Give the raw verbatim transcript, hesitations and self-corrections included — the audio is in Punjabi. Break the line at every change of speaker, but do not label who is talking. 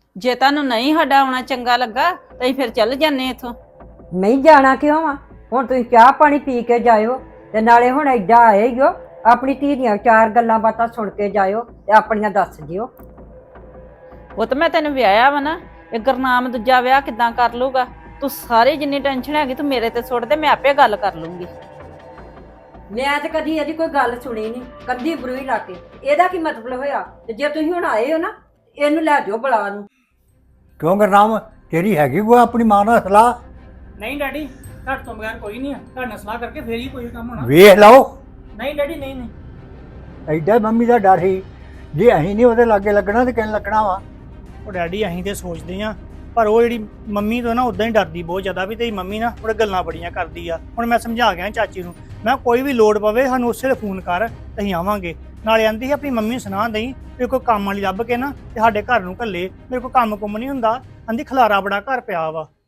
ਜੇ ਤੁਹਾਨੂੰ ਨਹੀਂ ਸਾਡਾ ਆਉਣਾ ਚੰਗਾ ਲੱਗਾ ਤਾਂ ਅਸੀਂ ਫਿਰ ਚੱਲ ਜਾਂਦੇ ਇੱਥੋਂ।
ਨਹੀਂ ਜਾਣਾ ਕਿਉਂ ਵਾ? ਹੁਣ ਤੁਸੀਂ ਚਾਹ ਪਾਣੀ ਪੀ ਕੇ ਜਾਇਓ ਤੇ ਨਾਲੇ ਹੁਣ ਐਡਾ ਆਏ ਹੀ ਹੋ, ਆਪਣੀ ਧੀ ਦੀਆਂ ਚਾਰ ਗੱਲਾਂ ਬਾਤਾਂ ਸੁਣ ਕੇ ਜਾਇਓ ਤੇ ਆਪਣੀਆਂ ਦੱਸ ਦਿਓ।
ਉਹ ਤਾਂ ਮੈਂ ਤੈਨੂੰ ਵਿਆਹਿਆ ਵਾ ਨਾ, ਇਹ ਗੁਰਨਾਮ ਦੂਜਾ ਵਿਆਹ ਕਿੱਦਾਂ ਕਰ ਲੂਗਾ? ਤੂੰ ਸਾਰੀ ਜਿੰਨੀ ਟੈਨਸ਼ਨ ਹੈਗੀ ਤੂੰ ਮੇਰੇ ਤੇ ਸੁੱਟ ਦੇ, ਮੈਂ ਆਪੇ ਗੱਲ ਕਰ ਲੂੰਗੀ।
ਮੈਂ ਤੇ ਕਦੀ ਇਹਦੀ ਕੋਈ ਗੱਲ ਸੁਣੀ ਨਹੀਂ, ਕੰਦੀ ਬਰੂਈ ਲਾ ਕੇ। ਇਹਦਾ ਕੀ ਮਤਲਬ ਹੋਇਆ? ਤੇ ਜੇ ਤੁਸੀਂ ਹੁਣ ਆਏ ਹੋ ਨਾ, ਇਹਨੂੰ ਲੈ ਜਾਓ ਬੁਲਾ ਨੂੰ।
ਕਿਉਂ ਗੁਰਨਾਮ, ਤੇਰੀ ਹੈਗੀ ਕੋਈ ਆਪਣੀ ਮਾਂ ਨਾਲ ਸਲਾਹ?
ਨਹੀਂ ਡੈਡੀ, ਤੁਹਾਡੇ ਤੋਂ ਬਗੈਰ ਕੋਈ ਨਹੀਂ ਆ। ਤੁਹਾਡੇ ਨਾਲ ਸਲਾਹ ਕਰਕੇ ਫੇਰ ਹੀ ਕੋਈ ਕੰਮ ਹੋਣਾ।
ਵੇਖ ਲਓ,
ਨਹੀਂ ਡੈਡੀ, ਨਹੀਂ ਨਹੀਂ
ਐਡਾ ਮੰਮੀ ਦਾ ਡਰ ਸੀ, ਜੇ ਅਸੀਂ ਨਹੀਂ ਉਹਦੇ ਲਾਗੇ ਲੱਗਣਾ ਤੇ ਕਿੰਨ ਲੱਗਣਾ ਵਾ।
ਉਹ ਡੈਡੀ ਅਸੀਂ ਤੇ ਸੋਚਦੇ ਆ, ਪਰ ਉਹ ਜਿਹੜੀ ਮੰਮੀ ਤੋਂ ਨਾ ਉਦਾਂ ਹੀ ਡਰਦੀ ਬਹੁਤ ਜ਼ਿਆਦਾ ਵੀ ਤੇਰੀ ਮੰਮੀ ਨਾ ਉਹਦੇ ਗੱਲਾਂ ਬੜੀਆਂ ਕਰਦੀ ਆ। ਹੁਣ ਮੈਂ ਸਮਝਾ ਗਿਆ ਚਾਚੀ ਨੂੰ, ਮੈਂ ਕੋਈ ਵੀ ਲੋੜ ਪਵੇ ਸਾਨੂੰ ਉਸੇ ਵੇਲੇ ਫੋਨ ਕਰ, ਅਸੀਂ ਆਵਾਂਗੇ। ਨਾਲੇ ਆਂਦੀ ਸੀ ਆਪਣੀ ਮੰਮੀ ਨੂੰ ਸੁਣਾ ਦਈ ਵੀ ਕੋਈ ਕੰਮ ਵਾਲੀ ਲੱਭ ਕੇ ਨਾ ਤੇ ਸਾਡੇ ਘਰ ਨੂੰ ਘੱਲੇ, ਮੇਰੇ ਕੋਲ ਕੰਮ ਕੁੰਮ ਨਹੀਂ ਹੁੰਦਾ। ਆਂਦੀ ਖਲਾਰਾ ਬੜਾ ਘਰ ਪਿਆ ਵਾ।